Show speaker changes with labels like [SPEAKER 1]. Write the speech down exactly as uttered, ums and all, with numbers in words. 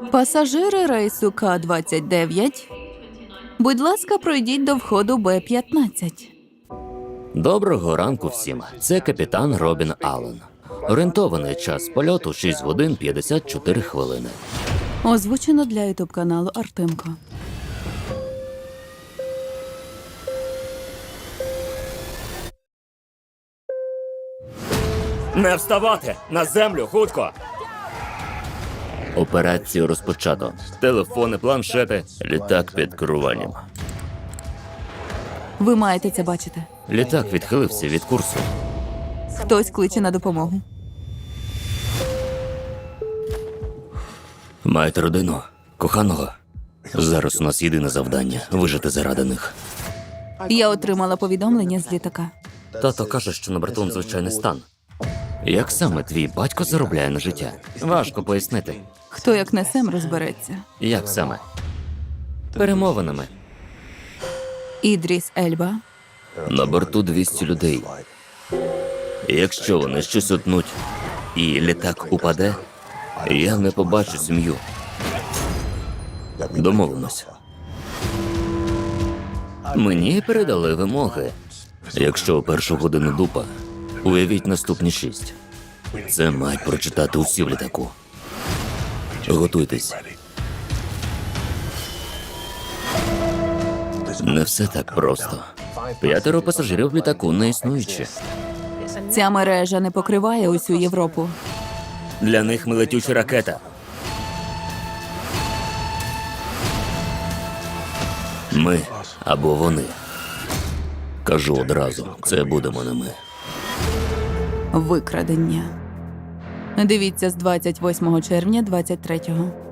[SPEAKER 1] Пасажири рейсу К двадцять дев'ять, будь ласка, пройдіть до входу Б п'ятнадцять.
[SPEAKER 2] Доброго ранку всім. Це капітан Робін Аллен. Орієнтований час польоту шість годин п'ятдесят чотири хвилини.
[SPEAKER 1] Озвучено для ютуб-каналу Артемко.
[SPEAKER 3] Не вставати! На землю, хутко!
[SPEAKER 2] Операцію розпочато.
[SPEAKER 3] Телефони, планшети.
[SPEAKER 2] Літак під керуванням.
[SPEAKER 1] Ви маєте це бачити.
[SPEAKER 2] Літак відхилився від курсу.
[SPEAKER 1] Хтось кличе на допомогу.
[SPEAKER 2] Маєте родину? Коханого? Зараз у нас єдине завдання – вижити заради них.
[SPEAKER 1] Я отримала повідомлення з літака.
[SPEAKER 2] Тато каже, що на борту звичайний стан. Як саме твій батько заробляє на життя? Важко пояснити.
[SPEAKER 1] Хто як не Сем розбереться.
[SPEAKER 2] Як саме? Перемовинами.
[SPEAKER 1] Ідріс Ельба.
[SPEAKER 2] На борту двісті людей. Якщо вони щось утнуть і літак упаде, я не побачу сім'ю. Домовимося. Мені передали вимоги. Якщо у першу годину дупа, уявіть наступні шість. Це мають прочитати усі в літаку. Готуйтесь. Не все так просто. П'ятеро пасажирів в літаку не існуючі.
[SPEAKER 1] Ця мережа не покриває усю Європу.
[SPEAKER 3] Для них ми летюча ракета.
[SPEAKER 2] Ми або вони. Кажу одразу, це будемо не ми.
[SPEAKER 1] Викрадення. Дивіться з двадцять восьмого червня двадцять третього.